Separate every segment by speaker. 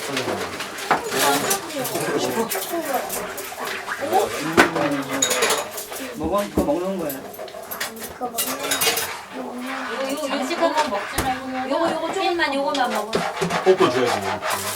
Speaker 1: 먹어? 이거 먹는 거야.
Speaker 2: 그거 먹는
Speaker 3: 이거 장식한 거 먹지 말고 요거 조금만 요거만 먹어.
Speaker 4: 뽀뽀 줘야지.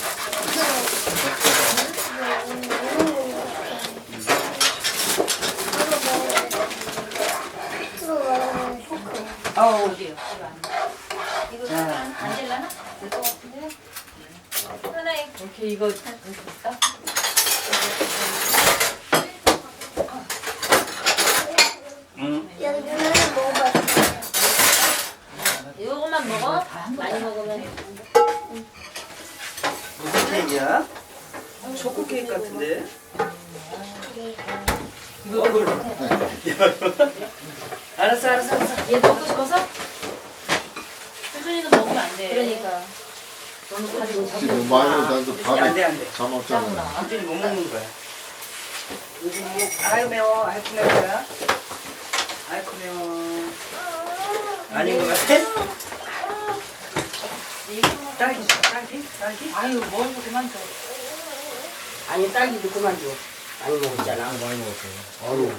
Speaker 1: 아우.
Speaker 3: 어디요? 이거 안 될라나? 될 것 같은데. 하나에 이렇게 이거 이렇게 볼까?
Speaker 2: 여기 누나는 먹어봤어.
Speaker 3: 요거만 먹어. 많이 먹으면.
Speaker 1: 무슨 케이크야? 초코 케이크 같은데? 이거 알았어.
Speaker 3: 얘 먹고 싶어서? 수준이는 먹으면 안 돼. 그러니까. 너무 가지고
Speaker 5: 지금 많이 나도
Speaker 1: 안 돼.
Speaker 5: 밥에 잠 없잖아.
Speaker 1: 완전히 못 먹는 거야. 아유 매워. 아이쿠 매워야. 아이쿠 매워. 아닌 것 같아? 딸기 줘. 딸기?
Speaker 3: 아유, 먹은 거 그만 줘.
Speaker 6: 아니 딸기도 그만 줘. 많이 먹었잖아.
Speaker 4: 많이 먹었어요.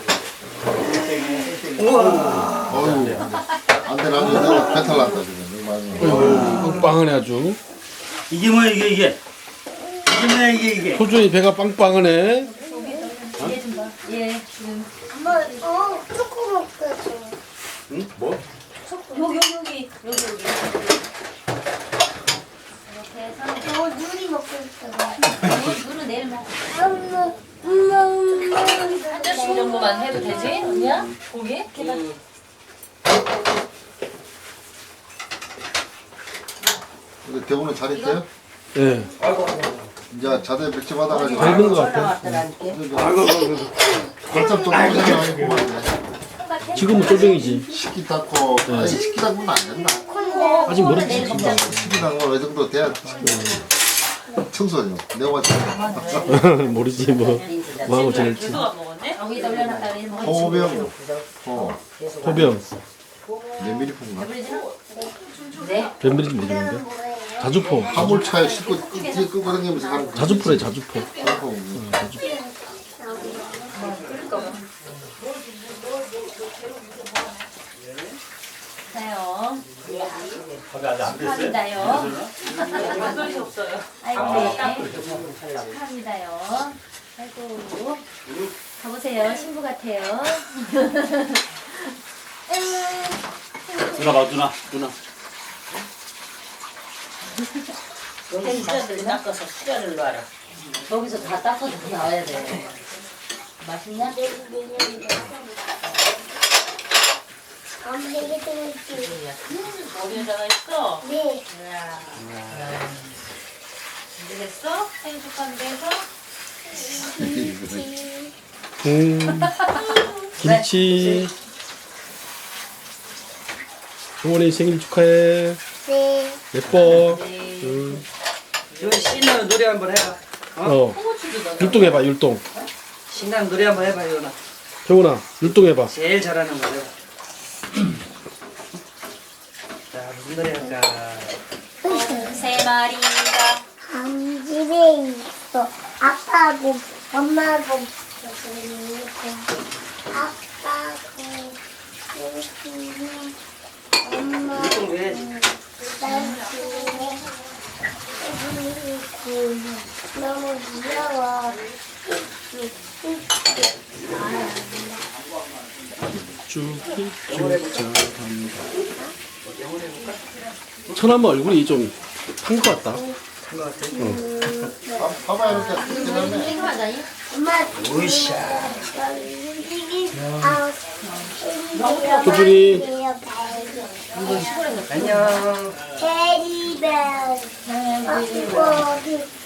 Speaker 1: 우와.
Speaker 5: 어휴, 안 돼, 나도 배탈 났다, 지금. 많이 먹어.
Speaker 7: 빵빵하네 아주.
Speaker 1: 이게 뭐야 이게? 이게 뭐야 이게?
Speaker 7: 소준이 배가 빵빵하네.
Speaker 3: 얘 좀 봐. 얘 지금.
Speaker 2: 엄마, 초코 먹겠어.
Speaker 4: 응? 뭐?
Speaker 3: 여기. 이렇게 해서.
Speaker 2: 눈이 먹겠어.
Speaker 3: 물은 내일 먹어.
Speaker 2: 엄마.
Speaker 3: 한 잔씩 정도만 해도 되지? 언니야? 고기? 계란.
Speaker 5: 근데 대구는 잘 있대요?
Speaker 7: 예.
Speaker 5: 이제 자대 백지 받아가지고.
Speaker 7: 잘 있는 것 같아.
Speaker 6: 나왔다라니까.
Speaker 5: 한참 좀 고생하고
Speaker 7: 지금은 쫄병이지.
Speaker 5: 식기 닦고, 아니, 식기 닦으면 안 된다.
Speaker 7: 아직 모르지.
Speaker 5: 식기 닦으면 어느 정도 돼야 청소죠. 내가 봤을
Speaker 7: 모르지 뭐. 뭐하고 지낼지.
Speaker 3: 계속 안 먹었네? 여기다 올려놨다 그래.
Speaker 5: 때. 호병,
Speaker 7: 소병.
Speaker 5: 몇 미리 푼가?
Speaker 3: 네.
Speaker 7: 변비리지 모르겠는데. 자주포.
Speaker 5: 화물차에 싣고 뒤에 끄고 다니면서 하는 거.
Speaker 7: 자주포래 자주포.
Speaker 5: 자주포.
Speaker 3: 자요.
Speaker 4: 거기 아직 안 됐어요?
Speaker 3: 축하합니다요. 소리 없어요. 아이고, 축하합니다요. 아이고. 가보세요. 신부 같아요.
Speaker 4: 누나 봐, 누나.
Speaker 6: 여기 수저들 닦아서 수저를 놔라.
Speaker 3: 거기서 다 닦아서 나와야 돼. 맛있냐?
Speaker 2: 되게 재밌지.
Speaker 3: 어디에다가 있어?
Speaker 2: 네.
Speaker 3: 이제 됐어? 생일 축하한데 해서?
Speaker 7: 김치. 동원이 생일 축하해.
Speaker 2: 네.
Speaker 7: 예뻐.
Speaker 1: 저 신나는 노래 한번 해봐.
Speaker 7: 율동 해봐 율동.
Speaker 1: 신나는 노래 한번 해봐 요나.
Speaker 7: 정훈아 율동 해봐.
Speaker 1: 제일 잘하는 거래. 자 무슨 노래 할까?
Speaker 3: 세 마리가
Speaker 2: 한 집에 있어. 아빠고 엄마고 아빠고 엄마
Speaker 1: 율동 왜 해야지?
Speaker 2: 너무 귀여워.
Speaker 7: 천하면 얼굴이 좀 탄 것 같다.
Speaker 1: 한거 같아.
Speaker 5: 봐봐, 이렇게. 지나네.
Speaker 2: 엄마
Speaker 1: 으쌰.
Speaker 7: 소준이
Speaker 1: 안녕.
Speaker 2: 테디베어.